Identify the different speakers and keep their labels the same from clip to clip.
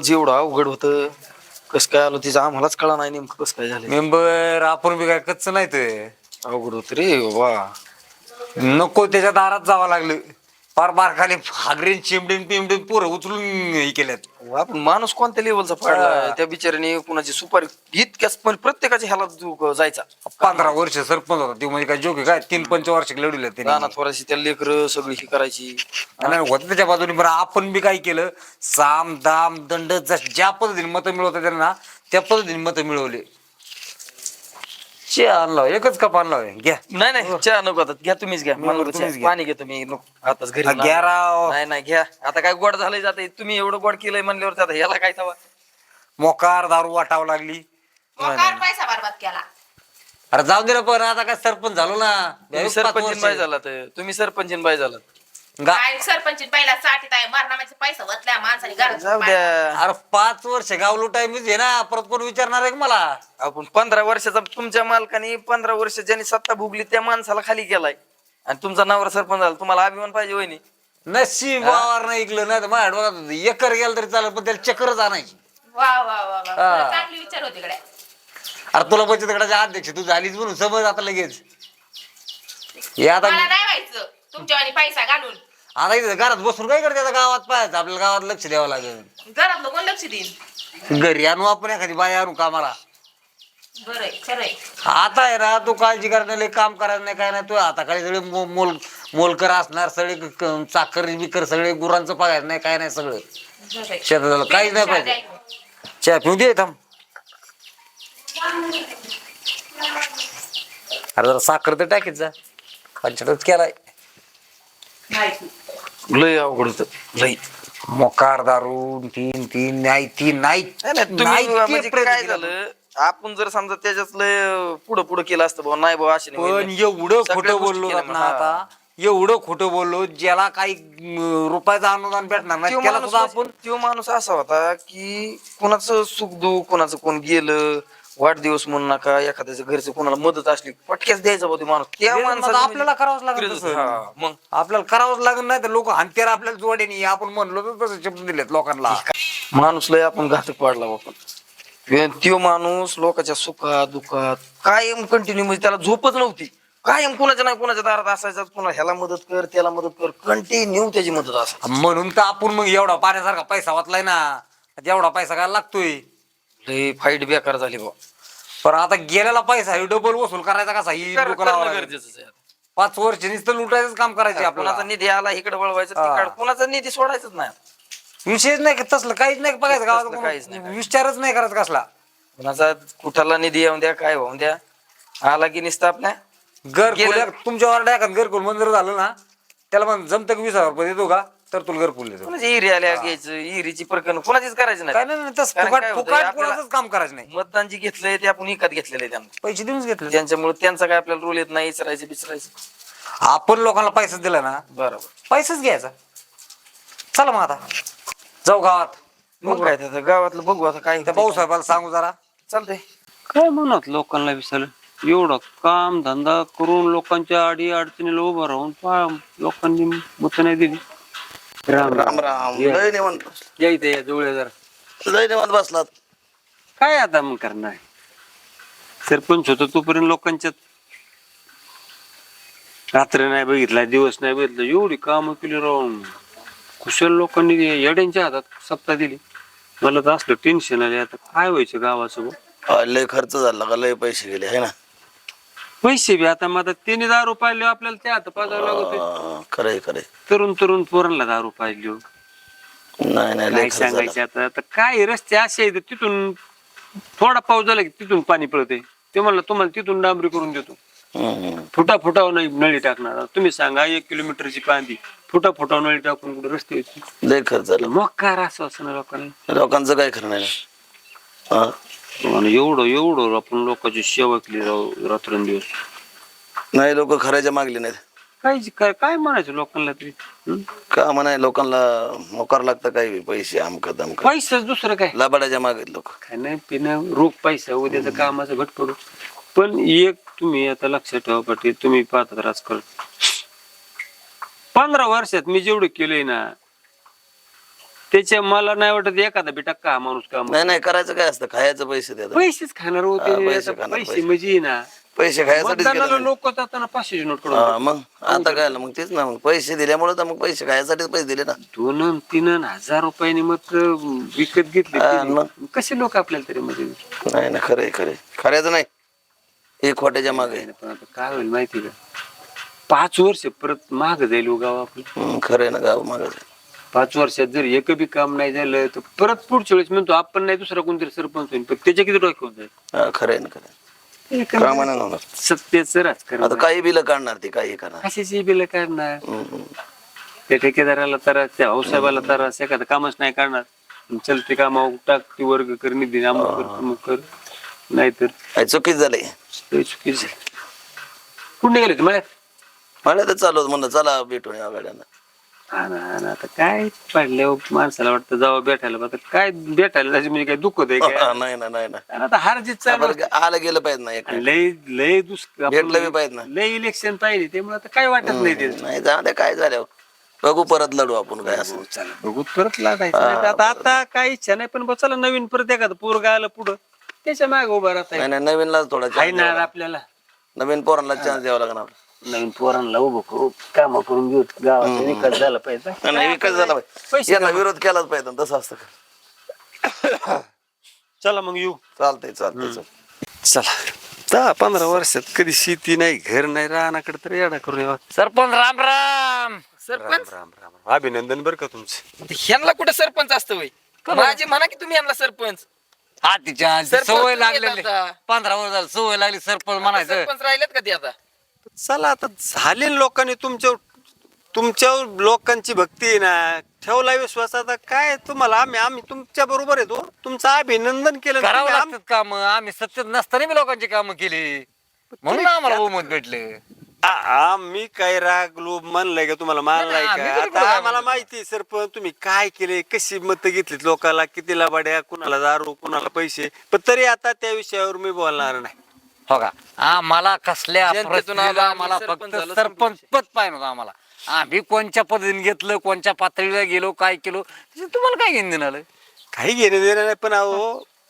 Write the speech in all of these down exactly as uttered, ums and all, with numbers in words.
Speaker 1: खरंच एवढं अवघड होतं. कसं काय आलो तिचं आम्हालाच कळा नाही नेमकं कसं काय झालं.
Speaker 2: मेंबर आपण बी काय कच्च नाही ते
Speaker 1: अवघड होत रे वा.
Speaker 2: नको त्याच्या दारात जावं लागलं. फार बारखाली हागरीन चिमडीन पिमडीन पोरं उचलून हे केल्यात.
Speaker 1: आपण माणूस कोणत्या लेवलचा पाडलाय त्या बिचाऱ्याने. कुणाची सुपारी इतक्याच पण प्रत्येकाच्या ह्याला जो जायचा.
Speaker 2: पंधरा वर्ष सरपंच होता ती म्हणजे काय जोक काय तीन पंच वर्ष लढवले
Speaker 1: रानात थोडीशी त्या लेकर सगळी ही करायची.
Speaker 2: होतं त्याच्या बाजूने. बरं आपण बी काय केलं साम दाम दंड ज्या पद्धतीने मतं मिळवतात त्यांना त्या पद्धतीने मतं मिळवले. चे आणला एकच कप आणला घ्या.
Speaker 1: नाही नाही चहा नको आता घ्या तुम्हीच घ्या.
Speaker 2: मी
Speaker 1: मला
Speaker 2: नको,
Speaker 1: नको
Speaker 2: तुम्हीच
Speaker 1: चहा.
Speaker 2: घ्या.
Speaker 1: पाणी घेतो मी नको आताच घरी.
Speaker 2: घ्या राव.
Speaker 1: नाही नाही घ्या आता काय गोड झालंय जाते. तुम्ही एवढं गोड केलंय म्हणल्यावर आता याला काय तवा.
Speaker 2: मोकार दारू वाटावं लागली.
Speaker 3: मोकार पैसा बरबाद केला.
Speaker 2: अरे जाऊ दे ना पण आता काय सरपंच झालो ना.
Speaker 1: तुम्ही सरपंच बाय झाला तर तुम्ही सरपंच बाय झाला.
Speaker 3: काय सरपंच पहिला साठीत आहे मारणामाचे पैसा वतल्या माणसाने घरात.
Speaker 1: जाऊ द्या.
Speaker 2: अरे पाच वर्ष गाव लुटायमीच आहे ना. परत कोण विचारणार आहे का मला.
Speaker 1: आपण पंधरा वर्षाचा तुमच्या मालकाने पंधरा वर्ष ज्यांनी सत्ता भोगली त्या माणसाला खाली केलाय आणि तुमचा नवरा सरपंच झाला. तुम्हाला अभिमान पाहिजे वहिनी.
Speaker 2: नशीब वावर नाही ऐकलं नाही तर माझ्या डोळ्यात एकर गेलं तरी चालेल पण त्याला चक्करच आणायची.
Speaker 3: वा वा वा वा खरं चांगली विचार होते कडे.
Speaker 2: अरे तुला बचत गटाच्या अध्यक्ष तू झालीच म्हणून समज आता लगेच. हे आता
Speaker 3: मला नाही व्हायचं तुमच्या वाणी पैसा घालून.
Speaker 2: आता इथे घरात बसून काय करते आता गावात पाहायचं आपल्याला गावात लक्ष द्यावं लागेल.
Speaker 3: घरातलं कोण लक्ष देईन.
Speaker 2: घरी आणू आपण एखादी बाई आणू कामाला.
Speaker 3: बरंय खरंय.
Speaker 2: आता आहे ना तू काळजी करण्याला काम करायचं नाही काय नाही. तू आता काही सगळे मो- मोल मोलकर असणार सगळे क- चाकर बिकर सगळे गुरांचं बघायचं नाही काय नाही सगळं
Speaker 3: बरंय.
Speaker 2: शेताला काहीच नाही पाहिजे. चहा पिऊ दे थांब. अरे जरा साखर तर टाकीत जा. खालच्यातच केलाय.
Speaker 1: लय अवघड होत लय.
Speaker 2: मोकार दारू तीन तीन नाही तीन नाही
Speaker 1: नाही, नाही, तुम्ही
Speaker 2: नाही ते
Speaker 1: म्हणजे
Speaker 2: प्रयत्न
Speaker 1: काय
Speaker 2: केला.
Speaker 1: झालं आपण जर समजा त्याच्यात लय पुढं पुढं केलं असतं भाऊ नाही भाऊ असे नाही
Speaker 2: पण
Speaker 1: होईल.
Speaker 2: एवढं
Speaker 1: सगळ्या
Speaker 2: खोटं
Speaker 1: गोष्टी
Speaker 2: बोललो
Speaker 1: केल्या
Speaker 2: ना
Speaker 1: मग.
Speaker 2: आता एवढं खोटं बोललो ज्याला काही अं, रुपयाचं अनुदान भेटणार नाही
Speaker 1: त्यो
Speaker 2: त्याला
Speaker 1: माणूस
Speaker 2: सुद्धा आपण
Speaker 1: त्यो माणूस असा होता की कोणाचं सुख दुःख कोणाचं कोण गेलं वाढदिवस म्हणून नका एखाद्याचं घरचं कोणाला मदत असली पटक्याच द्यायचा भाऊ माणूस त्या
Speaker 2: ते
Speaker 1: माणसाचं
Speaker 2: मग आपल्याला करावंच लागेल
Speaker 1: म्हणजे-
Speaker 2: तसं.
Speaker 1: हा, मग
Speaker 2: आपल्याला करावंच लागत नाही तर लोक हंत्यार आपल्याला जोडेनी आपण म्हणलो तर तसं शब्द दिलेत लोकांना.
Speaker 1: माणूस लय आपण घातक पाडला आपण. त्यो माणूस लोकांच्या सुखात दुःखात कायम कंटिन्यू म्हणजे त्याला झोपच नव्हती. कायम कुणाच्या नाही कुणाच्या दारात असायचा. कुणा ह्याला मदत कर त्याला मदत कर कंटिन्यू त्याची मदत असायची.
Speaker 2: म्हणून तर आपण मग एवढा पाण्यासारखा पैसा वाचलाय ना. एवढा पैसा काय लागतोय.
Speaker 1: लय फाईट बेकार झाली बा.
Speaker 2: पण आता गेलेला पैसा डबल वसूल करायचा कसा ही
Speaker 1: कर-
Speaker 2: लोकं लावायला
Speaker 1: करणं
Speaker 2: लागले.
Speaker 1: गरजेचं आहे.
Speaker 2: पाच वर्ष नुसतं लुटायचंच काम करायचे
Speaker 1: कुणाचा
Speaker 2: आपल्याला.
Speaker 1: निधी आला इकडे वळवायचं
Speaker 2: हा.
Speaker 1: तिकडे कुणाचा निधी सोडायचंच नाही.
Speaker 2: विषयच नाही का तसलं काहीच नाही बघायचं
Speaker 1: तसलं
Speaker 2: गावात
Speaker 1: काहीच नाही,
Speaker 2: कोण-
Speaker 1: काहीच
Speaker 2: विचारच नाही करायचा कसला.
Speaker 1: कुणाचा कुठाला निधी येऊन द्या काय होऊन द्या आला की निसतं आपल्या
Speaker 2: घर
Speaker 1: गेलं-
Speaker 2: खोल्या तुमच्या वार्ड एखाद घरकुल मंजूर झालं ना त्याला मग जमतं की वीस हजार रुपये देतो का तर तुला घरकुल देतो.
Speaker 1: कुणाची इरी आल्या घ्यायचं इरीची प्रकरण कुणाचीच करायची
Speaker 2: काय
Speaker 1: नाही.
Speaker 2: नाही नाही, तसं
Speaker 1: कारण
Speaker 2: फुकाट
Speaker 1: काय होतंय,
Speaker 2: फुकाट
Speaker 1: आपल्याला-
Speaker 2: कोणाचंच काम करायचं नाही.
Speaker 1: मतदान जे घेतलंय ते आपण विकत घेतलेलं आहे त्यांना.
Speaker 2: पैसे देऊनच घेतले.
Speaker 1: त्यांच्यामुळे त्यांचा काय आपल्याला रोल येत नाही इचरायचं बिचरायचं.
Speaker 2: आपण लोकांना पैसा दिला ना
Speaker 1: बरोबर
Speaker 2: पैसाच घ्यायचा. चला मग आता जाऊ गावात.
Speaker 1: मग काय त्याचं गावातलं बघू आता काय
Speaker 2: त्या भाऊसाहेबाला सांगू जरा.
Speaker 1: चालतंय.
Speaker 4: काय म्हणत लोकांना विचारलं एवढं काम धंदा करून लोकांच्या अडी अडचणीला उभं राहून पहा लोकांनी मत नाही दिली. राम
Speaker 5: राम राम लय निवांत
Speaker 4: या इथे या जवळ जरा.
Speaker 5: लय निवांत बसलात.
Speaker 4: काय आता मग करणार सरपंच होतो तोपर्यंत लोकांच्यात रात्र नाही बघितला दिवस नाही बघितलं एवढी कामं केली राहून कुशल लोकांनी येड्यांच्या हातात सप्ताह दिली. मला तर असलं टेन्शन आले आता काय व्हायचं गावासोबत.
Speaker 5: अ, लय खर्च झाला का लय पैसे गेले है ना.
Speaker 4: पैसे बी आता मग आता तिने दारू पाहिले आपल्याला त्या हात पाजावं लागत
Speaker 5: अ, खरंय खरंय.
Speaker 4: तरुण तरुण पोरांना दारू पाहिली
Speaker 5: नाही नाही लय
Speaker 4: काय
Speaker 5: खर्च
Speaker 4: सांगायचे
Speaker 5: झाला.
Speaker 4: आता आता काय रस्ते असे आहेत तिथून थोडा पाऊस झाला की तिथून पाणी पळते ते म्हणलं तुम्हाला तिथून डांबरी करून देतो.
Speaker 5: हम्म.
Speaker 4: फुटा फुटावर नाही नळी टाकणार तुम्ही सांगा एक किलोमीटरची पांदी फुटा फुटावर नळी टाकून कुठे रस्ते होते.
Speaker 5: लय खर्च झाला.
Speaker 4: मग काय असं असं ना लोकांना
Speaker 5: लोकांचं काय खरं नाही ना. हा?
Speaker 4: आणि एवढं एवढं आपण लोकांची सेवा केली राव रात्रंदिवस.
Speaker 5: नाही लोक खऱ्याच्या मागले नाहीत.
Speaker 4: काय काय काय म्हणायचं लोकांना तरी हं?
Speaker 5: का म्हणाय लोकांना मोकार लागतं काय पैसे आमक दमक
Speaker 4: पैसाच दुसरं काय
Speaker 5: लबाडाच्या मागे लोक.
Speaker 4: खाणं पिणं रोख पैसा उद्याचं कामाचं घट पडू. पण एक तुम्ही आता लक्षात ठेवा पाटील तुम्ही पाहतात राजकारण पंधरा वर्षात मी जेवढं केलंय ना त्याच्या मला नाही वाटत एखादा बी टक्का हा माणूस काम
Speaker 5: नाही नाही करायचं काय असतं खायचं पैसे द्या
Speaker 4: पैसेच खाणार
Speaker 5: हा,
Speaker 4: होते
Speaker 5: पैसे
Speaker 4: आता
Speaker 5: खाणार,
Speaker 4: पैसे
Speaker 5: पैसे.
Speaker 4: म्हणजे ना
Speaker 5: पैसे खायसाठीच
Speaker 4: मतदानाला
Speaker 5: गेलं ना.
Speaker 4: लोक जाताना पाचशे नोट कडून
Speaker 5: हा, मग आता काय ना मग तेच ना मग पैसे दिल्यामुळे तर मग पैसे खायसाठीच पैसे दिले ना.
Speaker 4: दोन अन तीन अन हजार रुपयाने मत विकत घेतले
Speaker 5: हा,
Speaker 4: त्यांनी.
Speaker 5: मग.
Speaker 4: कसे लोक आपल्याला तरी मध्ये
Speaker 5: नाही ना खरे खरे खऱ्याचं नाही एक खोट्याच्या मागे
Speaker 4: पण आता काय होईल माहिती का पाच वर्ष परत माग जाईल हो गाव आपलं
Speaker 5: खरे ना गाव मागे
Speaker 4: पाच वर्षात जर एक बी काम नाही झालं तर परत पुढच्या वेळेस म्हणतो आपण नाही दुसरा कोणतरी सरपंच होईल पण त्याच्या किती डोक्यात जाईल
Speaker 5: खरे ना खरे कामाने होणार.
Speaker 4: सत्तेचं राजकारण
Speaker 5: आता काही बिल काढणार ते काही करणार
Speaker 4: कशाची बिल काढणार
Speaker 5: हम्म.
Speaker 4: त्या ठेकेदाराला तर त्या भाऊसाहेबाला तर एखादं कामच नाही करणार चलते कामावर टाक ती वर्ग कर निधी अमुक कर तमुक कर नाहीतर
Speaker 5: काय चुकीच झाले
Speaker 4: लय चुकीचं आहे. कुठे गेले तुम्हाला
Speaker 5: मला तर चालू होतं म्हणलं चला भेटून या गाड्यांना.
Speaker 4: हा ना हा ना आता काय पडल्यावर माणसाला वाटतं जावं भेटायला आता काय भेटायला जायचं म्हणजे काय दुःख आहे काय
Speaker 5: हा, नाही ना नाही ना
Speaker 4: आणि आता हार जीत चालू
Speaker 5: आपण आलं गेलं पाहिजे ना एक
Speaker 4: आणि लय लय दुष्काळ
Speaker 5: भेटलं बी पाहिजे ना.
Speaker 4: लय इलेक्शन पाहिजे त्यामुळे आता काय वाटत नाही ते
Speaker 5: नाही जाऊ द्या काय झालं बघू परत लढू आपण काय असं
Speaker 4: चला बघू परत लागायचं नाही तर आता आता काय इच्छा नाही पण बघ चला नवीन परत एखादं पोरगा आलं पुढं त्याच्या मागे उभा राहता
Speaker 5: नाही नाही नवीनला थोडा
Speaker 4: आहे
Speaker 5: chance
Speaker 4: ना
Speaker 5: द्यावा लागेल.
Speaker 4: आपल्याला
Speaker 5: नवीन पोरांना चान्स द्यावा लागणार
Speaker 4: नवीन पोरांना उभं करू काम करून घेऊ गावाचा विकास झाला पाहिजे
Speaker 5: नाही विकास झाला पाहिजे
Speaker 4: पैसे
Speaker 5: यांना विरोध केलाच पाहिजे ना, तसं असतं का?
Speaker 4: चला मग येऊ
Speaker 5: चालतंय चालतंय चालतंय.
Speaker 4: चला दहा पंधरा वर्षात कधी शेती नाही घर नाही रानाकडे तर येडा करून यावा
Speaker 2: सरपंच राम राम
Speaker 3: सरपंच
Speaker 4: राम राम राम अभिनंदन बरं का तुमचं
Speaker 1: ह्यांना कुठे सरपंच असतं वय माझे म्हणा की तुम्ही यांना सरपंच
Speaker 2: हा तिच्या
Speaker 1: सरपंच
Speaker 2: सवय
Speaker 1: तुम्ही
Speaker 2: लागलेली
Speaker 1: येत आता.
Speaker 2: पंधरा वर्ष झालं सवय लागली सरपंच म्हणायचं
Speaker 1: सरपंच राहिलेत का ते आता
Speaker 4: चला आता झाले लोकांनी तुमच्या तुमच्या लोकांची भक्ती आहे ना ठेवला विश्वास आता काय तुम्हाला आम्ही आम्ही तुमच्या बरोबर येतो तुमचं अभिनंदन केलं
Speaker 2: करावं
Speaker 4: तुम्ही आम-
Speaker 2: लागतात काम आम्ही सत्तेत नसताना मी लोकांची कामं केली म्हणून आम्हाला बहुमत भेटले
Speaker 4: आ- आम्ही काय रागलो म्हणलंय का तुम्हाला मानलाय
Speaker 2: नाही,
Speaker 4: का
Speaker 2: आम्ही तरी
Speaker 4: आता
Speaker 2: कुठं
Speaker 4: आम्हाला
Speaker 2: रागलो?
Speaker 4: माहिती सरपंच तुम्ही काय केले कशी मत घेतलीत लोकांना किती लाभाड्या कुणाला दारू कुणाला पैसे पण तरी आता त्या विषयावर मी बोलणार नाही
Speaker 2: हो का आम्हाला कसल्या
Speaker 1: जनतेतून
Speaker 2: परिस्थितीला
Speaker 1: आलो आम्ही,
Speaker 2: आम्हाला
Speaker 1: सरपंच
Speaker 2: फक्त
Speaker 1: झालो,
Speaker 2: सरपंच पद पाहिजे होतं आम्हाला आम्ही कोणत्या पद्धतीने घेतलं कोणत्या पातळीला गेलो काय केलो त्याचं तुम्हाला काय घेऊन देणार
Speaker 4: काही घेणे देणं नाही पण अहो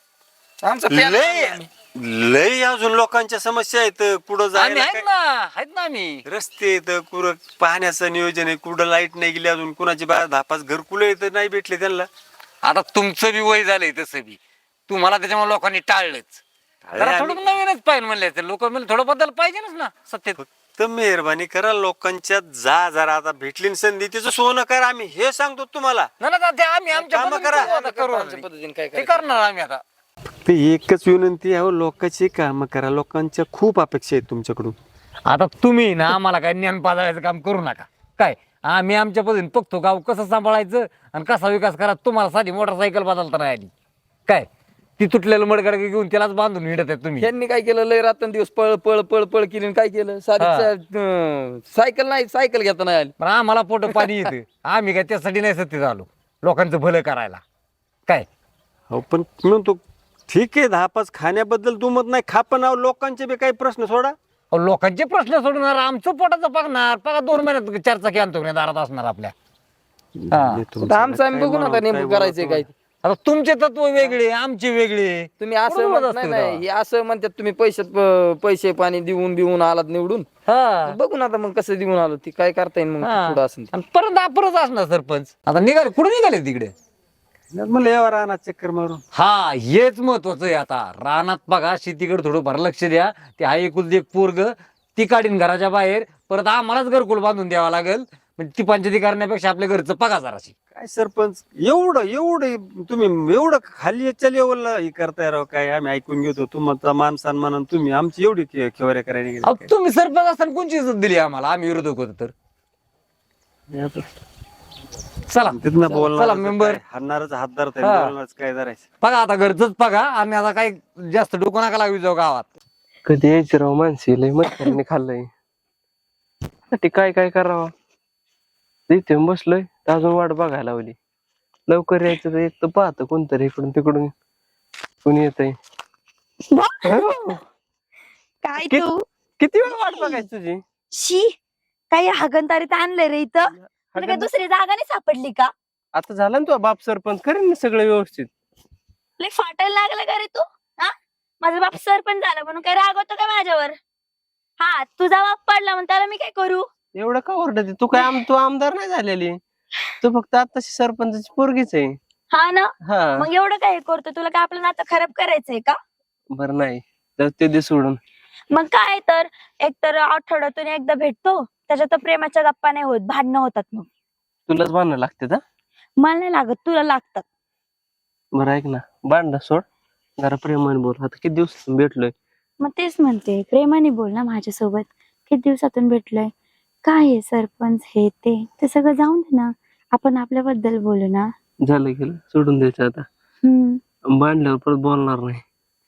Speaker 1: आमचं plan
Speaker 4: लय
Speaker 1: आहे आम्ही.
Speaker 4: लय अजून लोकांच्या समस्या आहेत कुठं
Speaker 2: आम्ही
Speaker 4: जायला
Speaker 2: आहेत
Speaker 4: काय-
Speaker 2: ना आहेत ना आम्ही
Speaker 4: रस्ते आहेत कुठं पाहण्याचं नियोजन आहे कुठं लाईट नाही गेली अजून कुणाची बाहेर दहा पाच घरकुलं येत नाही भेटले त्यांना
Speaker 2: आता तुमचं बी वय झालंय तसं बी तुम्हाला त्याच्यामुळे लोकांनी टाळलंच जरा थोडं नवीनच पाहिजे म्हणले लोक म्हणले थोडं बदल पाहिजेच ना सत्तेत
Speaker 4: फक्त मेहरबानी करा लोकांच्या जा जरा आता भेटली ना संधी तिचं सोनं करा आम्ही हे सांगतो तुम्हाला
Speaker 2: नाही ना ते आम्ही आमच्या
Speaker 4: कामं
Speaker 2: पद्धतीने
Speaker 4: करा.
Speaker 2: करू आता, करू
Speaker 1: आमच्या
Speaker 2: आम्ही.
Speaker 1: पद्धतीने काय
Speaker 2: ते
Speaker 1: करायचं.
Speaker 2: करणार आम्ही आता
Speaker 4: ते एकच विनंती आहे लोकांची काम करा लोकांच्या खूप अपेक्षा आहेत तुमच्याकडून
Speaker 2: आता तुम्ही ना आम्हाला काय ज्ञान पाजायचं काम करू नका काय आम्ही आमच्या पद्धतीने बघतो गाव कसं सांभाळायचं आणि कसा विकास करा तुम्हाला साधी मोटरसायकल बदलता नाही आली काय ती तुटलेलं मडगड घेऊन त्यालाच बांधून हिंडत आहे तुम्ही
Speaker 1: ह्यांनी काय केलं लय रात्रंदिवस पळ पळ पळ पळ केली आणि काय केलं साधी
Speaker 2: हा.
Speaker 1: अं, सायकल नाही सायकल घेता नाही आली
Speaker 2: पण आम्हाला पोट पाणी येतं आम्ही काय त्यासाठी नाही सत्तेत आलो लोकांचं भलं करायला काय
Speaker 4: हो पण म्हणतो ठीक आहे दहा पाच खाण्याबद्दल दुमत नाही खा पण अहो, लोकांचे बी काही प्रश्न सोडा
Speaker 2: अहो, लोकांचे प्रश्न सोडणार आमचं पोटाचं बघणार बघा दोन महिन्यात चार चाकी आणतो की नाही दारात असणार आपल्या हा.
Speaker 4: मी तुमचं
Speaker 1: आता आमचं आम्ही
Speaker 4: काय
Speaker 1: बघू ना आता
Speaker 4: म्हणावं,
Speaker 1: नेमकं
Speaker 4: काय
Speaker 1: करायचंय काय
Speaker 4: बोलावं.
Speaker 2: आता तुमचे तत्व वेगळे आमचे वेगळे
Speaker 1: तुम्ही असं
Speaker 2: बरोबर
Speaker 1: म्हणत
Speaker 2: असतं
Speaker 1: नाही
Speaker 2: तेव्हा.
Speaker 1: नाही हे असं म्हणतात तुम्ही पैशात प- पैसे पाणी देऊन बिऊन आलात निवडून
Speaker 2: हा
Speaker 1: बघू ना आता मग कसं देऊन आलो ती काय करता येईल मग
Speaker 2: हा.
Speaker 1: पुढं असं
Speaker 2: आणि परत परत असणार सरपंच आता निघाले कुठे निघाले तिकडे
Speaker 4: म्हणलं यावर राहणार चक्कर मारून
Speaker 2: हा हेच महत्वाचं आहे आता रानात बघा शेतीकडे थोडं भर लक्ष द्या ते हा एकुलत एक पोरग ती काढीन घराच्या बाहेर परत आम्हालाच घरकुल बांधून द्यावा लागेल म्हणजे ती पंचायती करण्यापेक्षा आपल्या घरचं बघा जराशी
Speaker 4: काय सरपंच एवढं एवढं तुम्ही एवढं खाली लेवलला हे करताय राव काय आम्ही ऐकून घेतो तुमचा मान सन्मान आणि तुम्ही आमची एवढी खे- खेवऱ्या करायला
Speaker 2: अहो,
Speaker 4: गेले
Speaker 2: तुम्ही सरपंच असताना कोणची इज्जत दिली आम्हाला आम्ही विरोधक होतो तर
Speaker 4: काय?
Speaker 2: चला
Speaker 4: तिथनं
Speaker 2: चला
Speaker 4: बोलणार
Speaker 2: मेंबर
Speaker 4: हाणणारच हात धरताय
Speaker 2: हा.
Speaker 4: बोलणारच काय धरायचं
Speaker 2: बघा आता घरचंच बघा आम्ही आता काही जास्त डोकं नका लागू जाऊ गावात
Speaker 6: कधी यायचं राव माणसे लय म्हाताऱ्याने खाल्लंय ते काय काय करावं इथे बसलोय तर अजून वाट बघायला लावली लवकर यायचं तर एक तर पाहतं कोणतरी इकडून तिकडून कोणी येतंय
Speaker 7: काय
Speaker 6: कि-
Speaker 7: तू
Speaker 6: किती वेळ वाट बघायची तुझी
Speaker 7: शी काही हागणदारीत आणलंय रे इथं तुला काय दुसरी जागा नाही सापडली का
Speaker 6: आता झाला ना तो बाप सरपंच करेन ना सगळं व्यवस्थित.
Speaker 7: लय फाटायला लागला का रे तू? हा, माझा बाप सरपंच झाला म्हणून काय रागवतो का माझ्यावर? हा, तुझा बाप पडला म्हणून त्याला मी काय करू?
Speaker 6: एवढं का ओरडते तू? काय आम तू आमदार नाही झालेली, तू फक्त आताशी सरपंचाची पोरगीच आहे.
Speaker 7: हा ना,
Speaker 6: हा
Speaker 7: मग एवढं काय करतो? तुला काय आपलं नातं खराब करायचंय का?
Speaker 6: बरं नाही जाऊ ते दे सोडून.
Speaker 7: मग काय तर, एक तर आठवड्यातून एकदा भेटतो, त्याच्यात तर प्रेमाच्या गप्पा नाही होत, भांडणं होतात. मग
Speaker 6: तुलाच बांधणं लागते का?
Speaker 7: मला नाही लागत, तुला लागतात.
Speaker 6: बरं ऐक ना, बांधणं सोड, जरा प्रेमाने बोल. आता किती दिवस भेटलोय.
Speaker 7: मग तेच म्हणते, प्रेमाने बोल ना माझ्यासोबत. किती दिवसातून भेटलोय, काय आहे सरपंच हे ते ते सगळं जाऊन दे ना, आपण आपल्याबद्दल बोलू ना.
Speaker 6: झालं गेलं, सोडून द्यायचं आता.
Speaker 7: हम्म,
Speaker 6: बांधल्यावर परत बोलणार नाही.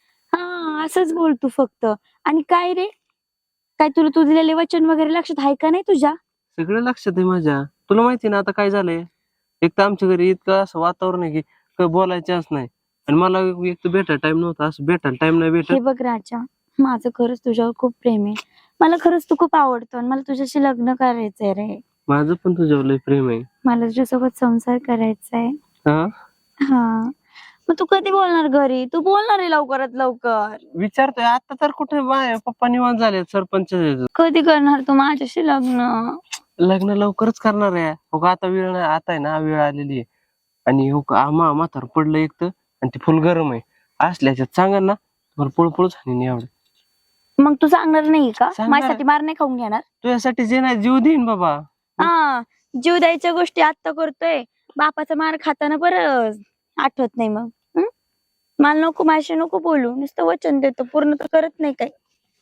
Speaker 7: हा असंच बोल तू फक्त. आणि काय रे, काय तुला तू दिलेले वचन वगैरे लक्षात आहे का नाही तुझ्या?
Speaker 6: सगळं लक्षात आहे माझ्या. तुला माहिती ना आता काय झालंय, एक तर आमच्या घरी इतकं असं वातावरण आहे की काय बोलायचंच नाही. आणि मला एक तर भेटायला टाइम नव्हता, असं भेटायला टाइम नाही
Speaker 7: हे
Speaker 6: भेटत.
Speaker 7: बघ राजा, माझं खरंच तुझ्यावर खूप प्रेम आहे. मला खरंच तू खूप आवडतो आणि मला तुझ्याशी लग्न करायचंय रे.
Speaker 6: माझं पण तुझ्यावर लय प्रेम आहे.
Speaker 7: मला तुझ्यासोबत संसार करायचा आहे.
Speaker 6: हा
Speaker 7: हा, मग तू कधी बोलणार घरी? तू बोलणार आहे लवकरात लवकर.
Speaker 6: विचारतोय आता तर कुठे बाय पप्पा निवांत झाले सरपंच.
Speaker 7: कधी करणार तू माझ्याशी लग्न?
Speaker 6: लग्न लवकरच करणार आहे. हो का, आता वेळ नाही, आता आहे ना वेळ आलेली आहे. आणि हो का मा म्हातार पडलं एक तर, आणि ते फुल गरम आहे. असल्याच्यात सांगा ना, तुम्हाला पळपळच हानी एवढं.
Speaker 7: मग तू सांगणार नाही का?
Speaker 6: सांगणार.
Speaker 7: माझ्यासाठी मार नाही खाऊन घेणार?
Speaker 6: तुझ्यासाठी जे नाही जीव देईन बाबा.
Speaker 7: हा, जीव द्यायच्या गोष्टी आता करतोय, बापाचा मार खाताना बरं आठवत नाही. मग हं? मला नको, माझ्याशी नको बोलू. नुसतं वचन देतो, पूर्ण तर करत नाही काय.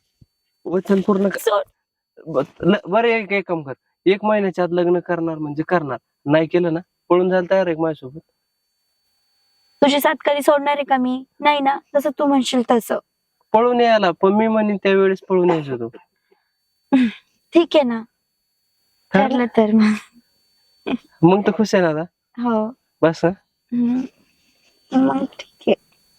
Speaker 6: वचन पूर्ण कर.
Speaker 7: सोड.
Speaker 6: ब- ल- बरं एक एक काम कर, एक महिन्याच्या आत लग्न करणार म्हणजे करणार. नाही केलं ना पळून जायला तयार आहे माझ्यासोबत.
Speaker 7: तुझी साथ कधी सोडणार आहे का मी? नाही ना, जसं तू म्हणशील तसं.
Speaker 6: पळून यायला पण मी म्हणेन त्यावेळेस पळून यायचो तो.
Speaker 7: ठीक आहे ना, ठरलं तर मग.
Speaker 6: मग तर खुश आहे ना आता.
Speaker 7: हो.
Speaker 6: बस हं?
Speaker 7: हम्म. मग ठीक आहे.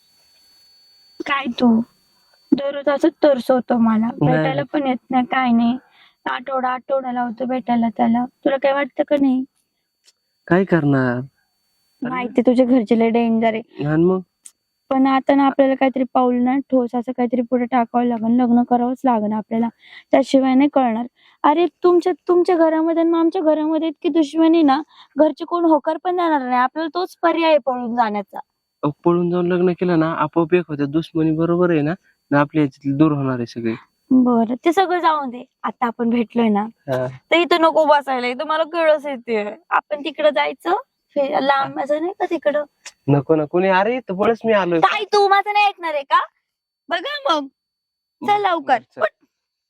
Speaker 7: काय तू दररोज असं तरसवतो मला,
Speaker 6: नाही.
Speaker 7: भेटायला पण येत नाही, काय नाही. आठवडा आठवडा लावतो भेटायला त्याला. तुला काय वाटतं का नाही?
Speaker 6: काय करणार.
Speaker 7: माहिती तुझ्या घरचे लय डेंजर आहे.
Speaker 6: आणि मग
Speaker 7: पण आता ना आपल्याला काहीतरी पाऊल ना ठोस असं काहीतरी पुढे टाकावं लागेल. लग्न करावंच लागेल आपल्याला, त्याशिवाय नाही कळणार. अरे तुमच्या तुमच्या घरामध्ये आणि आमच्या घरामध्ये इतकी दुश्मनी ना, घरचे कोण होकार पण देणार नाही. आपल्याला तोच पर्याय आहे पळून जाण्याचा.
Speaker 6: अहो, पळून जाऊन लग्न केलं ना आपोआप एक होत्या दुश्मनी, बरोबर आहे ना, ना आपल्या याच्यातली दूर होणार आहे सगळे.
Speaker 7: बरं, ते सगळं जाऊन दे. आता आपण भेटलोय ना, तर इथं नको बसायला. इथं मला कळस येते. आपण तिकडं जायचं, फे- लांब असं नाही का तिकडं.
Speaker 6: नको ना कोणी. अरे तर बळच मी आलोय.
Speaker 7: काय तू माझं नाही ऐकणार आहे का? बघा मग, चल लवकर
Speaker 6: चल.
Speaker 7: उठ.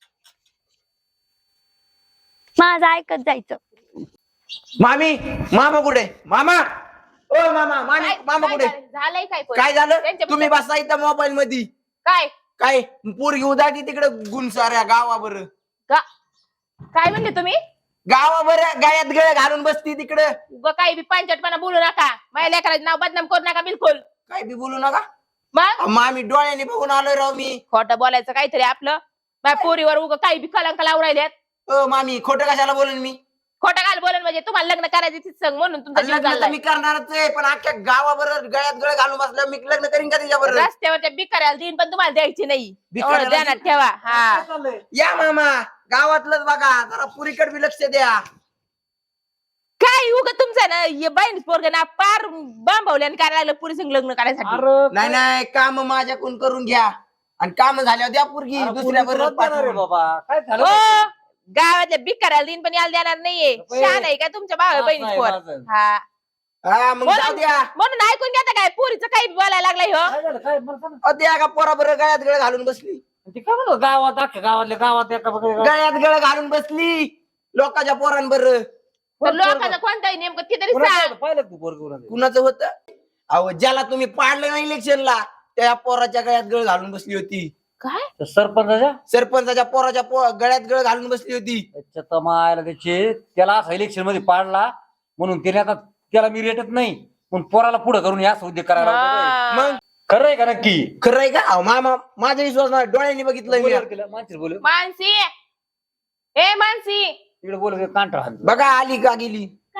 Speaker 7: माझं ऐकत जायचं.
Speaker 1: मामी, मामा कुठे? मामा, ओ मामा, मामी,
Speaker 3: काय-
Speaker 1: मामा
Speaker 3: काय
Speaker 1: कुठे?
Speaker 3: झालं? झालंय काय पण?
Speaker 1: काय झालं?
Speaker 3: त्यांच्या
Speaker 1: तुम्ही
Speaker 3: पुढे-
Speaker 1: बसा इथं मोबाईल मध्ये.
Speaker 3: काय
Speaker 1: काय पोरगी उदाटी तिकडे गुणसाऱ्या गावावर.
Speaker 3: गा- काय म्हणले तुम्ही?
Speaker 1: गावावर गायात गळ घालून बसती तिकडं.
Speaker 3: उगा काही बी पंचटपणा बोलू नका. माझ्या लेकराचं नाव बदनाम करू नका बिलकुल.
Speaker 1: काय बी बोलू नका.
Speaker 3: मग
Speaker 1: मामी डोळ्याने बघून आलोय राव मी.
Speaker 3: खोटं बोलायचं काहीतरी आपलं. माझ्या पोरीवर उगा काही बी कलंक लावून राहिल्यात.
Speaker 1: अ मामी खोटं कशाला बोलेन मी?
Speaker 3: खोटं घाल बोलेन म्हणजे तुम्हाला लग्न करायचं तीच सांग म्हणून तुमचा जीव
Speaker 1: लग्न तर
Speaker 3: चाललाय.
Speaker 1: मी करणारच आहे, पण अख्ख्या गावावर गळ्यात गळ घालून बसलं मी लग्न करीन का तिच्याबरोबर?
Speaker 3: रस्त्यावरच्या बिकाऱ्याला देईन पण तुम्हाला द्यायची नाही.
Speaker 1: भिकाऱ्याला
Speaker 3: एवढं ध्यानात ठेवा. हा,
Speaker 1: या मामा, गावातलंच बघा, जरा पुरीकडे बी लक्ष द्या.
Speaker 3: काय उगा तुमचं ना हे बहीण पोरग ना पार बांबवल्याने करायला लागलं पुरी संग लग्न करायसाठी.
Speaker 1: नाही नाही, काम माझ्याकडून करून घ्या आणि काम झाल्यावर द्या पुरगी दुसऱ्या बरोबर.
Speaker 2: बाबा काय झालं?
Speaker 3: हो, गावातल्या बिकाऱ्याला देईन पण याला देणार नाहीये. शान आहे का तुमच्या भावा बहिणीच पोर?
Speaker 2: माझं.
Speaker 3: हा,
Speaker 1: हा मग जाऊ द्या.
Speaker 3: म्हणून ऐकून घेता काय पोरीचं काही बोलायला लागलाय हो.
Speaker 2: काय झालं? काय मला सांग ना.
Speaker 1: अ, द्या का पोराबर गळ्यात गळ घालून बसली.
Speaker 2: ते काय म्हणतो गावात अख्ख्या गावातल्या गावात एका बघा-
Speaker 1: गळ्यात गळ घालून बसली लोकांच्या पोरांबर.
Speaker 3: तर लोकांचं कोणतंही नेमकं ते तरी सांग.
Speaker 2: पाहिलं तू पोरगं?
Speaker 1: कुणाचं होतं? अहो ज्याला तुम्ही पाडलं नाही इलेक्शनला, त्या पोराच्या गळ्यात गळ घालून बसली होती.
Speaker 3: काय
Speaker 2: सरपंचाच्या
Speaker 1: सरपंचाच्या पोराच्या पो- गळ्यात गळ घालून बसली होती.
Speaker 2: त्याच्या तमायला त्याचे त्याला असं इलेक्शन मध्ये पाडला म्हणून त्याने आता त्याला मी रेटत नाही पण पोराला पुढे करून या उद्योग करायला लावतो.
Speaker 3: हा.
Speaker 1: मग
Speaker 2: खरं आहे का नक्की?
Speaker 1: खरं आहे का? अहो, मामा माझा विश्वास नाही, डोळ्यांनी बघितलंय मी.
Speaker 2: बोलव तिला, माणसं बोलव.
Speaker 3: मानसी, ए मानसी,
Speaker 2: तिकडे बोल कांटा
Speaker 1: बघा आली का गेली.
Speaker 7: काय ग मम्मी?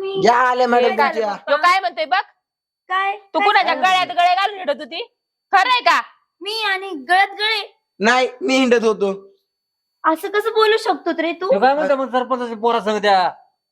Speaker 7: मम्मी
Speaker 1: या आल्या मॅडम
Speaker 3: काय
Speaker 1: तुमच्या.
Speaker 3: तो काय म्हणतोय बघ
Speaker 7: काय
Speaker 3: तू
Speaker 7: काय
Speaker 3: कुणाच्या
Speaker 7: झालं?
Speaker 3: गळ्यात गळे घालून हिंडत होती खरंय का
Speaker 7: मी आणि गळत गळे
Speaker 1: नाही मी हिंडत होतो.
Speaker 7: असं कसं बोलू शकतो रे तू
Speaker 2: तो काय म्हणतो मग सरपंचाची पोरा सांग त्या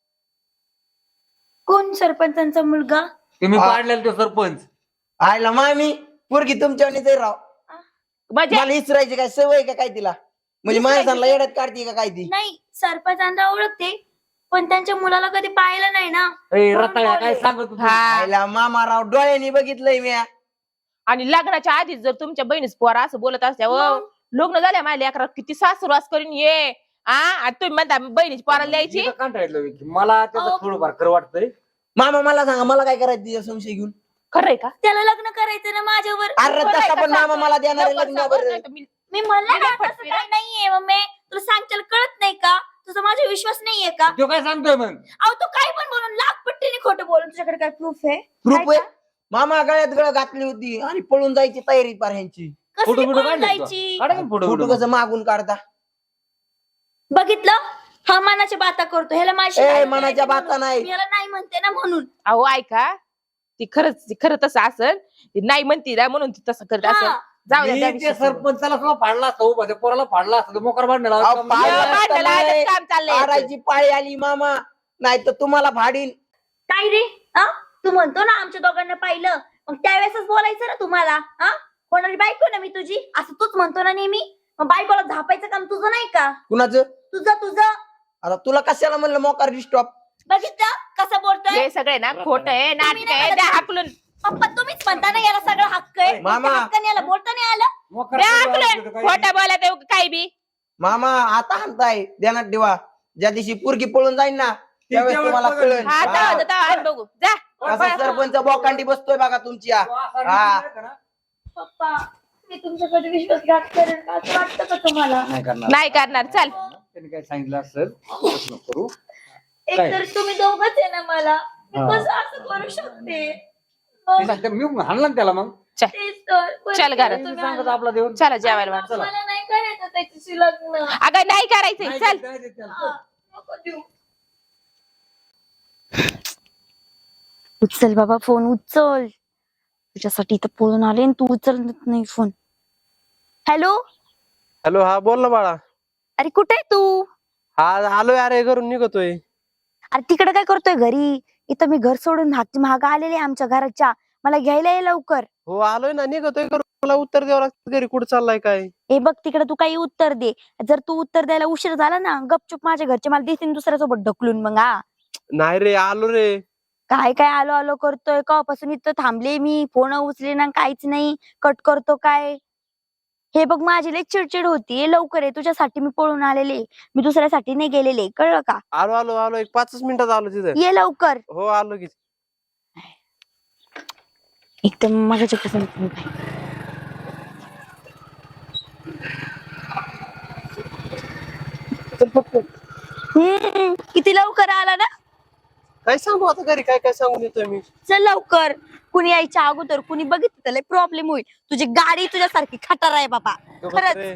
Speaker 7: कोण सरपंचांचा मुलगा
Speaker 2: तुम्ही
Speaker 1: आ-
Speaker 2: पाडलेला तो सरपंच
Speaker 1: आयला मामी पोरगी तुमच्यावानीच आहे राव.
Speaker 3: म्हणजे
Speaker 1: मला इसरायची काय सवय का काय तिला म्हणजे
Speaker 7: इसरायची
Speaker 1: माणसांना
Speaker 7: काय?
Speaker 1: येड्यात काढते का काय ती.
Speaker 7: नाही सरपंचांना ओळखते पण त्यांच्या मुलाला कधी पाहिलं नाही ना
Speaker 2: ए,
Speaker 7: म्हणून
Speaker 2: रताळ्या काय
Speaker 7: बोलले.
Speaker 2: सांगत होती?
Speaker 3: हा
Speaker 1: आयला मामा राव डोळ्यांनी बघितलंय मी.
Speaker 3: आणि लग्नाच्या आधीच जर तुमच्या बहिणीच पोरा असं बोलत असल्यावर
Speaker 7: मग?
Speaker 3: लग्न झाल्या माझ्या लेकरात किती सासुरास करून ये आ आणि तुम्ही म्हणता बहिणीची पोराला द्यायची
Speaker 2: मी तर कंटाळलो की मला त्याचं
Speaker 7: अहो.
Speaker 2: थोडंफार खरं वाटतंय.
Speaker 1: मामा मला सांगा मला काय करायचं तिच्या संशय घेऊन.
Speaker 3: खरंय का
Speaker 7: त्याला लग्न करायचं ना माझ्यावर
Speaker 1: अरे
Speaker 3: खरंय
Speaker 1: तसा
Speaker 3: का?
Speaker 1: पण मामा मला देणार आहे
Speaker 3: लवकर
Speaker 1: लग्न
Speaker 3: सांग,
Speaker 1: बरं.
Speaker 3: नाही तर मी-
Speaker 7: मी म्हणलं
Speaker 3: मी
Speaker 7: ना
Speaker 3: नाही
Speaker 7: तसं
Speaker 3: पटली
Speaker 7: काही नाहीये मम्मी तुला सांगताल कळत नाही का तुझा माझा विश्वास नाहीये का
Speaker 2: तो काय सांगतोय मग
Speaker 7: अहो तू काय पण बोलून लाख पट्टीने खोटं बोलून तुझ्याकडे काय प्रूफ आहे
Speaker 1: प्रूफ
Speaker 7: काय
Speaker 1: आहे मामा गळ्यात गळ घातली होती आणि पळून जायची तयारी पार ह्यांची.
Speaker 7: कसली
Speaker 2: फोटो बिटो
Speaker 7: पळून
Speaker 2: काढले
Speaker 7: जायची
Speaker 2: काढा की फोटो
Speaker 1: फोटो
Speaker 2: बिटो.
Speaker 1: कसं मागून काढता.
Speaker 7: बघितलं हा मनाच्या बाता करतो ह्याला माझी
Speaker 1: ए मनाच्या बाता नाही.
Speaker 7: मी ह्याला नाही म्हणते ना म्हणून
Speaker 3: अहो ऐका ती खरंच ती खरं तसं असल ती नाही म्हणती ना म्हणून ती तसं करत असेल
Speaker 7: हा.
Speaker 3: जाऊ द्या
Speaker 2: मी
Speaker 3: त्या
Speaker 2: त्या
Speaker 3: विषयी सोडून.
Speaker 2: सरपंचाला सुद्धा फाडला असतो उभा त्या पोराला फाडला असतो मोकार बांधला
Speaker 1: अहो, पाडला
Speaker 3: एवढं
Speaker 1: असता
Speaker 3: भांडणाला
Speaker 1: नाही.
Speaker 3: आजच काम चाललंय याचं.
Speaker 1: आरायची पाळी आली मामा नाही तर तुम्हाला भाडीन.
Speaker 7: काय रे हा तू म्हणतो ना आमच्या दोघांना पाहिलं मग त्यावेळेसच बोलायचं ना तुम्हाला हा कोणाची बायको ना मी तुझी असं तूच म्हणतो ना नेहमी मग बायकोला झापायचं काम तुझं नाही का
Speaker 1: कुणाचं
Speaker 7: तुझं तुझं
Speaker 1: आता तुला कशाला म्हणलं मोकार स्टॉप.
Speaker 7: बघितलं कसं बोलतोय
Speaker 3: हे सगळे ना खोट आहे नाटक
Speaker 7: नाही
Speaker 3: आहे
Speaker 7: म्हणत.
Speaker 3: द्या हाकलून
Speaker 7: पप्पा तुम्हीच म्हणता ना याला सगळं हक्क आहे
Speaker 1: मामा.
Speaker 7: त्या हक्काने याला बोलता नाही आलं
Speaker 3: द्या हाकलून खोटं बोलत आहे काय बी
Speaker 1: मामा आता हाणताय ध्यानात ठेवा ज्या दिवशी पोरगी पळून जाईन ना त्यावेळेस तुम्हाला कळेल.
Speaker 3: हा
Speaker 1: हा.
Speaker 3: जाऊ दे, जाऊ दे, बघू जा
Speaker 1: कसा सरपंच बोकांडी बसतोय बघा तुमच्या. हा.
Speaker 7: पप्पा मी तुमच्याकडे विश्वासघात करेन का असं वाटतं का तुम्हाला
Speaker 2: नाही करणार
Speaker 3: नाही करणार चल
Speaker 2: त्यांनी काय सांगितलं असेल तसं नको करू.
Speaker 7: एक
Speaker 2: काय?
Speaker 7: तर तुम्ही दोघच आहे ना मला मी
Speaker 2: हा.
Speaker 7: कसं असं करू शकते
Speaker 2: ते सांगते, मी हाणला ना त्याला मग
Speaker 7: तेच तर बरं
Speaker 3: चल घरात.
Speaker 7: तुम्ही
Speaker 2: सांगत
Speaker 7: आणलं.
Speaker 2: आपला देऊन
Speaker 3: चला जेवायला वाट
Speaker 2: चला.
Speaker 7: मला नाही करायचं त्याच्याशी लग्न
Speaker 3: अगं नाही करायचंय चल
Speaker 2: नाही देत त्याला.
Speaker 7: हा, नको देऊ. उचल बाबा फोन उचल तुझ्यासाठी इथं पळून आले आणि तू उचलत नाही फोन. हॅलो
Speaker 6: हॅलो हा बोल ना बाळा.
Speaker 7: अरे कुठे आहे तू
Speaker 6: हा आलोय अरे घरून निघतोय.
Speaker 7: अरे तिकडे काय करतोय घरी इथं मी घर सोडून हात महाग आलेले आमच्या घराच्या मला घ्यायला ये लवकर.
Speaker 6: हो आलोय ना निघतोय घरून. मला उत्तर द्यावं लागतं घरी कुठं चाललाय काय.
Speaker 7: हे बघ तिकडे तू काही उत्तर दे जर तू उत्तर द्यायला उशीर झाला ना गपचूप माझ्या घरचे मला देतील दुसऱ्यासोबत ढकलून मग हा
Speaker 6: नाही रे आलो रे.
Speaker 7: काय काय आलो आलो करतोय कवापासून इथं थांबले मी फोन उचले ना काहीच नाही कट करतो काय. हे बघ माझी लई चिडचिड होती लवकर आहे तुझ्यासाठी मी पळून आलेले मी दुसऱ्यासाठी नाही गेलेले कळलं का.
Speaker 6: आलो आलो आलो एक पाचच मिनिटात आलो तिथे.
Speaker 7: ये लवकर
Speaker 6: हो आलो की.
Speaker 7: एकदम माझ्या पसंत हम्म किती लवकर आला ना.
Speaker 6: काय सांगू आता घरी काय काय सांगून येतोय मी.
Speaker 7: चल लवकर कुणी यायच्या अगोदर कुणी बघितलं त्याला प्रॉब्लेम होईल तुझी गाडी तुझ्यासारखी खटार आहे बाबा खरंच.
Speaker 6: रे.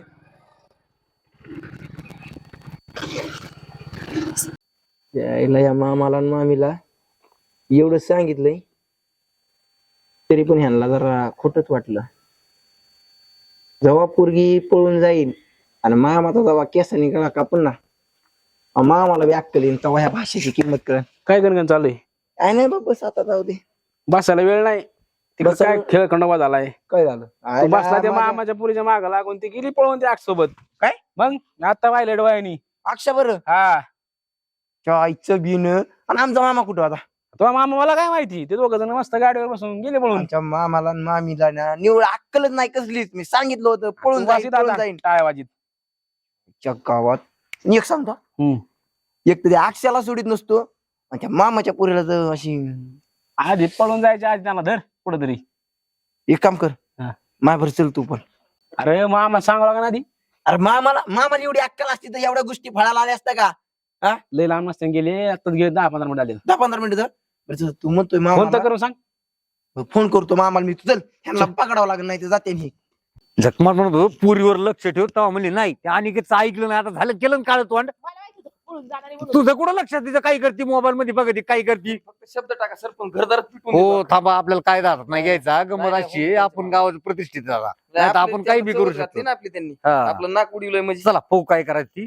Speaker 1: यायला या मामाला आणि मामीला एवढं सांगितलंय तरी पण ह्यांना जरा खोटच वाटलं. जेव्हा पोरगी पळून जाईल आणि मामाचा जेव्हा केसानी गळा कापून ना मामाला बी अक्कल येईल तेव्हा ह्या भाषेची किंमत कळ.
Speaker 8: काय गणगण चालू आहे
Speaker 1: काय नाही बाबा आता जाऊ दे.
Speaker 8: बसायला वेळ नाही तिकडे
Speaker 1: बसायला-
Speaker 8: काय खेळ खंडोबा झालाय.
Speaker 1: काय झालं
Speaker 8: तू बसला त्या
Speaker 1: माझ्या-
Speaker 8: मामाच्या पुरीच्या माग लागून ती गेली पळून त्या सोबत.
Speaker 1: काय?
Speaker 8: मग आता पाहिलं डोळ्यानी.
Speaker 1: अक्षा बरं
Speaker 8: हा
Speaker 1: आईचं बिन आणि आमचा मामा कुठं होता.
Speaker 8: तो मामा मला काय माहिती ते दोघ जण मस्त गाडीवर बसून गेले पळून.
Speaker 1: आमच्या मामाला आणि मामीला ना निवड अक्कलच नाही कसलीच. मी सांगितलं होतं पळून जाईल पळून जाईल
Speaker 8: टाळ्या वाजीत.
Speaker 1: च्या गावात. आणि एक सांगतो
Speaker 8: हम्म.
Speaker 1: एक तर त्या अक्षाला सोडित नसतो आणि त्या मामाच्या पुरीला तर अशी.
Speaker 8: आधी पळून जायच्या आधी त्यांना धर कुठंतरी.
Speaker 1: एक काम कर
Speaker 8: हा.
Speaker 1: मायभर चल तू पण.
Speaker 8: अरे मामा सांगावं लागणार आधी.
Speaker 1: अरे मामाला मामाला एवढी अक्कल असती तर एवढ्या गोष्टी फळाला आल्या असत्या का.
Speaker 8: लय लांब नसते गेले आता गेले दहा पंधरा मिनिट आले.
Speaker 1: दहा पंधरा मिनिटं बरं चल, तू म्हणतोय
Speaker 8: फोन तर
Speaker 1: मामा
Speaker 8: करून सांग.
Speaker 1: फोन करतो मामाला मी. तू चल ह्यांना पकडावं लागेल नाही ते जाते मी.
Speaker 2: झकमार म्हणत होतो पुरीवर लक्ष ठेव तेव्हा म्हणली नाही ते अनिकेतचं ऐकलं नाही आता झालं केलं काळ तोंड
Speaker 3: पळून जाणार आहे म्हणून.
Speaker 2: तुझं कुठं लक्षात तिचं काय करते मोबाईल मध्ये बघते काय करते.
Speaker 1: फक्त शब्द टाका सरपंच घरदारात पिटून
Speaker 2: हो
Speaker 1: देतो.
Speaker 2: थांबा आपल्याला काय जातात नाही घ्यायचा
Speaker 1: नाही,
Speaker 2: गमत
Speaker 1: नाही,
Speaker 2: अशी
Speaker 1: हो, हो,
Speaker 2: आपण
Speaker 1: हो.
Speaker 2: गावात प्रतिष्ठित झाला
Speaker 1: नाही,
Speaker 2: नाही तर
Speaker 1: आपली
Speaker 2: आपण काही बी
Speaker 1: त्याला
Speaker 2: करू
Speaker 1: चवच घातली
Speaker 2: शकतो.
Speaker 1: ना आपली त्यांनी
Speaker 2: हा.
Speaker 1: आपलं नाक उडवलंय म्हणजे
Speaker 2: चला पाहू काय करायची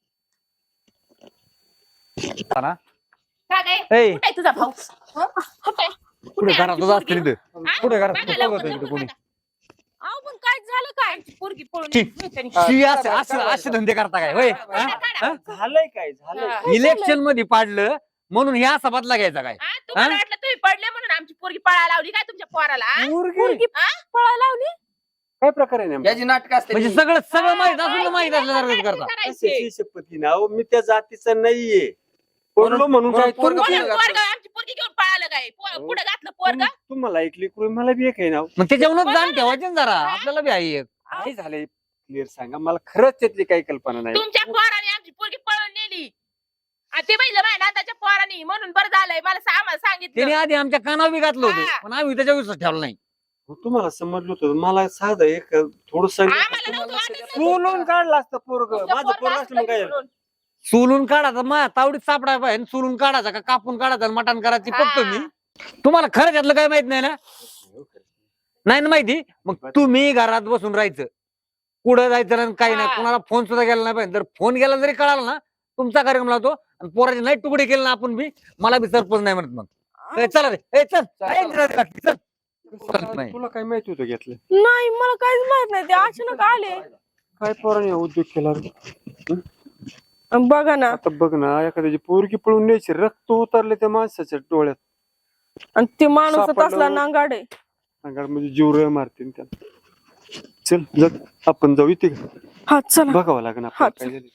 Speaker 2: हा ना?
Speaker 3: का काय?
Speaker 2: ए.
Speaker 3: कुठे आहे तुझा भाऊ हं? कुठे आहे?
Speaker 2: पुढे
Speaker 3: कुठे आहे
Speaker 2: घरातच
Speaker 3: आमची
Speaker 2: असतील
Speaker 3: पोरगी?
Speaker 2: इथं
Speaker 3: हा?
Speaker 2: पुढे घरात
Speaker 3: बघा
Speaker 2: बघत
Speaker 3: लवकर,
Speaker 2: नाही इथं
Speaker 3: लवकर
Speaker 2: कोणी.
Speaker 3: बघा. अहो पण काय झालं काय आमची पोरगी पळून
Speaker 2: ची.
Speaker 3: गेली त्यांनी.
Speaker 2: शी असे असे असे धंदे करता काय होय
Speaker 3: काढा, काढा.
Speaker 4: झालंय काय झालंय
Speaker 3: हा.
Speaker 2: इलेक्शन मध्ये पाडलं म्हणून ह्या असा बदला घ्यायचा काय.
Speaker 3: हा, तुम्हाला वाटलं तुम्ही पडले म्हणून आमची पोरगी पळायला लावली काय तुमच्या पोराला हा?
Speaker 4: पोरगी?
Speaker 3: हा? पळायला लावली
Speaker 4: काय प्रकार आहे नेमका?
Speaker 1: याची नाटक असते
Speaker 2: म्हणजे सगळं सगळं माहित असून तर माहित असल्यासारखं करता.
Speaker 3: करायचे.
Speaker 4: कशाची शपथ नाव मी त्या जातीचा नाहीये पडलो म्हणून काय
Speaker 1: म्हणून पोरगं
Speaker 4: तुम-
Speaker 1: पुढे
Speaker 3: पोरगं-
Speaker 1: घातलं.
Speaker 3: पोरगं आमची पोरगी घेऊन पळालं काय पो- पुढे घातलं पोरग
Speaker 4: तुम्हाला ऐकली कुठे मला बी एक आहे नाव
Speaker 2: मग त्याच्यावरूनच जाण ठेवायचे ना जरा आपल्याला बी आहे एक.
Speaker 4: काय झालंय क्लिअर सांगा मला खरंच त्यातली काही कल्पना नाही
Speaker 3: तुमच्या पोराने आमची पोरगी पळून नेली आणि ते पाहिलं माझ्या नाताच्या पोराने म्हणून बरं झालंय मला सा- आम्हाला
Speaker 2: त्याने
Speaker 3: सांगितलं
Speaker 2: आधी आमच्या कानावर बी घातलं होतं
Speaker 3: हा.
Speaker 2: पण आम्ही त्याच्या विश्वास ठेवला नाही.
Speaker 4: तुम्हाला समजलं होतं मला साधं एक थोडं
Speaker 3: आम्हाला नव्हतं वाटत ना.
Speaker 4: सोलून काढलं असतं पोरग
Speaker 3: तुमचं
Speaker 4: माझं
Speaker 3: पोरगं
Speaker 4: पोरग
Speaker 3: असलं
Speaker 4: असलं मग काय झालं?
Speaker 3: म्हणून.
Speaker 2: सोलून काढायचा मा तावडीत सापडाय पाहिजे सोलून काढायचा का कापून काढायचा आणि मटण करायची बघतो मी. तुम्हाला खरं त्यातलं काय माहित नाही ना नाही ना माहिती मग तुम्ही घरात बसून राहायचं कुठं जायचं नाही काही नाही
Speaker 3: हा.
Speaker 2: कोणाला फोन सुद्धा गेला नाही पाहिजे जर फोन गेला जरी कळाला ना तुमचा कार्यक्रम लावतो आणि पोराचे नाही तुकडे केले ना आपण बी मला बी सरपंच नाही म्हणत मग ए, चला रे ए, चल काय इंटरेस्ट लागते, चल. चल, नाही.
Speaker 4: तुला काय माहिती होतं घेतलं
Speaker 3: नाही मला काहीच माहित नाही ते अचानक आले
Speaker 4: काय पोराने उद्योग केला रे?
Speaker 3: बघा ना
Speaker 4: आता बघ ना एखाद्याची पोरगी पळून न्यायची रक्त उतरले त्या माणसाच्या डोळ्यात
Speaker 3: आणि ते माणूस
Speaker 4: सापडलं.
Speaker 3: तसला नांगाड आहे
Speaker 4: म्हणजे जीव मारतील त्याला चल जग आपण जाऊ इथे
Speaker 3: हा चला
Speaker 4: बघावं लागेल
Speaker 3: हा,
Speaker 4: आपल्याला काय झालं.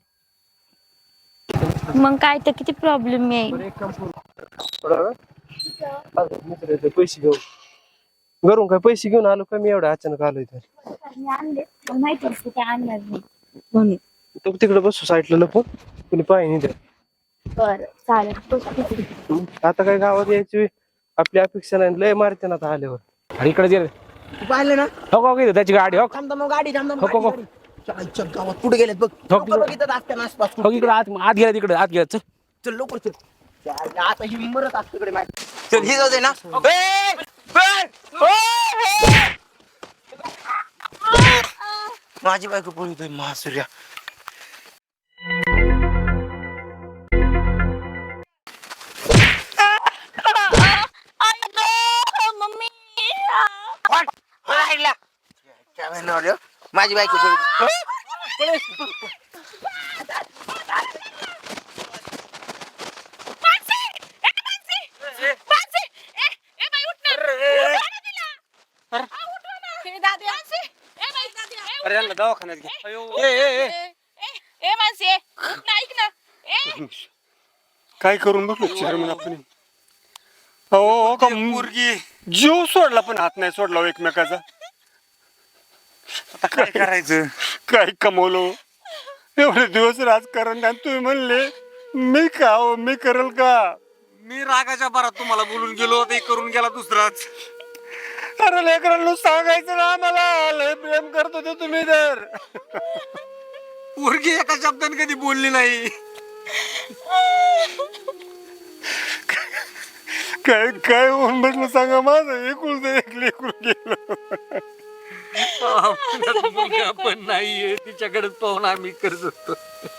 Speaker 7: मग काय तर किती प्रॉब्लेम येईल.
Speaker 6: पैसे घेऊन घरून काय पैसे घेऊन आलो का मी एवढं अचानक आलो इथं
Speaker 7: माहिती असते ते आणणार नाही
Speaker 6: म्हणून तो तिकडे बसू साईडला लपून कुणी पाहिजे नाही
Speaker 7: बरं चालेल.
Speaker 6: आता काय गावात यायची वेळ आपली अपेक्षा नाही लय मारते ना आता आल्यावर
Speaker 8: अरे इकडे जे
Speaker 1: पाहिलं ना
Speaker 8: हो का इथं त्याची गाडी हो
Speaker 1: थांब थांब गाडी थांब थांब
Speaker 8: हो, हो,
Speaker 1: गाडी, गाडी. चल चल गावात कुठे गेलेत बघ
Speaker 8: हो,
Speaker 1: लोकं बघितलं असत्या आसपास
Speaker 8: हो इकडे आत आत गेला तिकडे आत गेला चल
Speaker 1: चल लवकर चल चल, आता ही मरत असते कडे माहिती चल ही जाऊ दे ना ए, ए, ओ, ओ. माझी बायको बोलतोय महासूर्या
Speaker 7: मम्मी
Speaker 1: वाट, राहिला. काय म्हणणार रे? माझी बायको बोलतोय
Speaker 4: अरे यांना दवाखान्यात घे ए, ए, ए. काय करून बघलो चेअरमन आपण हो हो का मुर्गी जीव सोडला पण हात नाही सोडला हो एकमेकाचा आता काय करायचं काय कमवलो एवढे दिवस राजकारण आणि तुम्ही म्हणले मी का हो मी करल का
Speaker 2: मी रागाच्या भरात तुम्हाला बोलून गेलो ते करून गेला दुसराच.
Speaker 4: अरे लेकरांनो सांगायचं ना आम्हाला लय प्रेम करत होते तुम्ही तर
Speaker 2: पोरगी एका शब्दाने कधी बोलली नाही.
Speaker 4: काय काय होऊन बसलं सांगा माझं एकुलतं एक लेकरू गेलं
Speaker 2: मुलगा पण नाहीये तिच्याकडेच पाहून आम्ही करत होतो.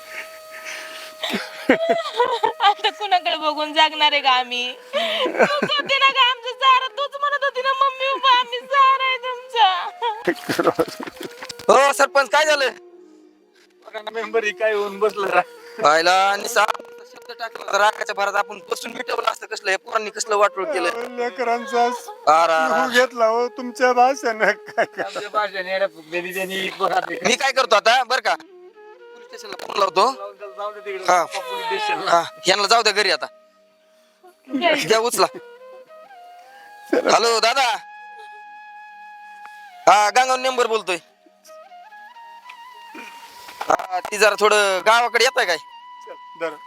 Speaker 3: आता कुणाकडे बघून जागणार आहे का आम्ही तूच होती ना का आमचं सारा तूच म्हणत होती ना मम्मी उभा आम्ही सारा आहे तुमचा
Speaker 1: हो सरपंच काय झालं
Speaker 2: मेंबर काय होऊन बसलं रा
Speaker 1: पाहिला आणि सा- शब्द टाकला रागाच्या भरात आपण बसून मिटवलं असतं कसलं या पोरांनी कसलं वाटोळ केलं
Speaker 4: लेकरांचा
Speaker 1: आर, आर, आर.
Speaker 4: जीव घेतला हो तुमच्या भाषेनं काय काय
Speaker 2: आमच्या भाषेने याला फुगलेली त्यांनी पोरात
Speaker 1: मी काय करतो आता बर का पोलीस स्टेशनला फोन लावतो
Speaker 2: जाऊ दे तिकडे
Speaker 1: हा.
Speaker 2: पोलीस स्टेशनला.
Speaker 1: हा यांना जाऊ द्या घरी आता द्या उचला हॅलो दादा हा गांगाव नंबर बोलतोय हा ती जरा थोडं गावाकडे येत आहे काय
Speaker 4: दर